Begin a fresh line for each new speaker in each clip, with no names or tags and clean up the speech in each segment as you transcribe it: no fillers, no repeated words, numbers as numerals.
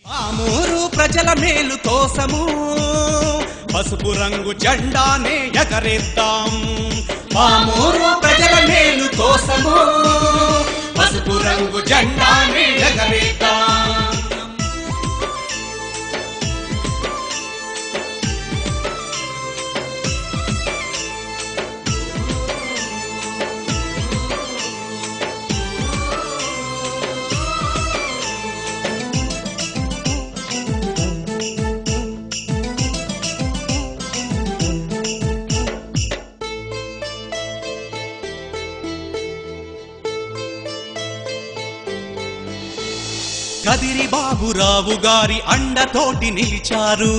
ఆమూరు ప్రజల మేలు కోసము పసుపు రంగు జెండానే ఎగరేద్దాం. ఆమూరు ప్రజల మేలు కోసము పసుపు రంగు జెండానే ఎగరేద్దాం. కదిరి బాబురావు గారి అండతోటి నిలిచారు.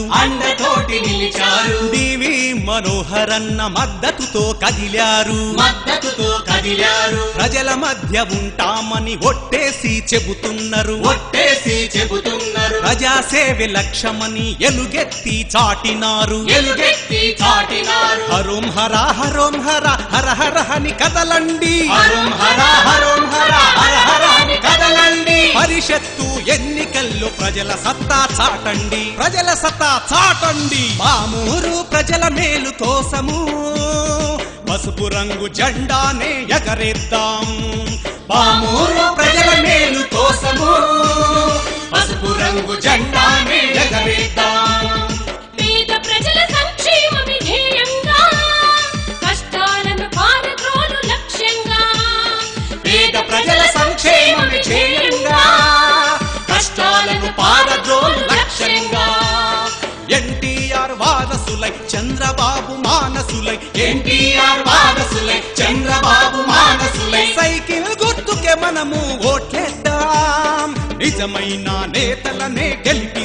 డివి మనోహరన్న మద్దతుతో కదిలారు. ప్రజల మధ్య ఉంటామని ఒట్టేసి చెబుతున్నారు. ప్రజాసేవ లక్ష్యమని ఎలుగెత్తి చాటినారు. హరోం హర హరోం హర హర హర హని కదలండి. పరిషత్తు ఎన్నికల్లో ప్రజల సత్తా చాటండి. ఆమూరు ప్రజల మేలు కోసము పసుపు రంగు జెండానే ఎగరేద్దాం. ఆమూరు ప్రజల మేలు కోసము పసుపు రంగు జెండానే ఎగరేద్దాం.
పేద ప్రజల సంక్షేమమే ధ్యేయంగా, కష్టాలను పారద్రోలు లక్ష్యంగా.
పేద ప్రజల సంక్షేమమే ధ్యేయంగా, కష్టాలను పారద్రోలు లక్ష్యంగా. ఎన్టీఆర్ వారసులై చంద్రబాబు మానసులై, ఎన్టీఆర్ వారసులై చంద్రబాబు మానసులై సైకిల్ గుర్తుకే మనము ఓట్లేద్దాం. నిజమైన నేతలనే గెలిపి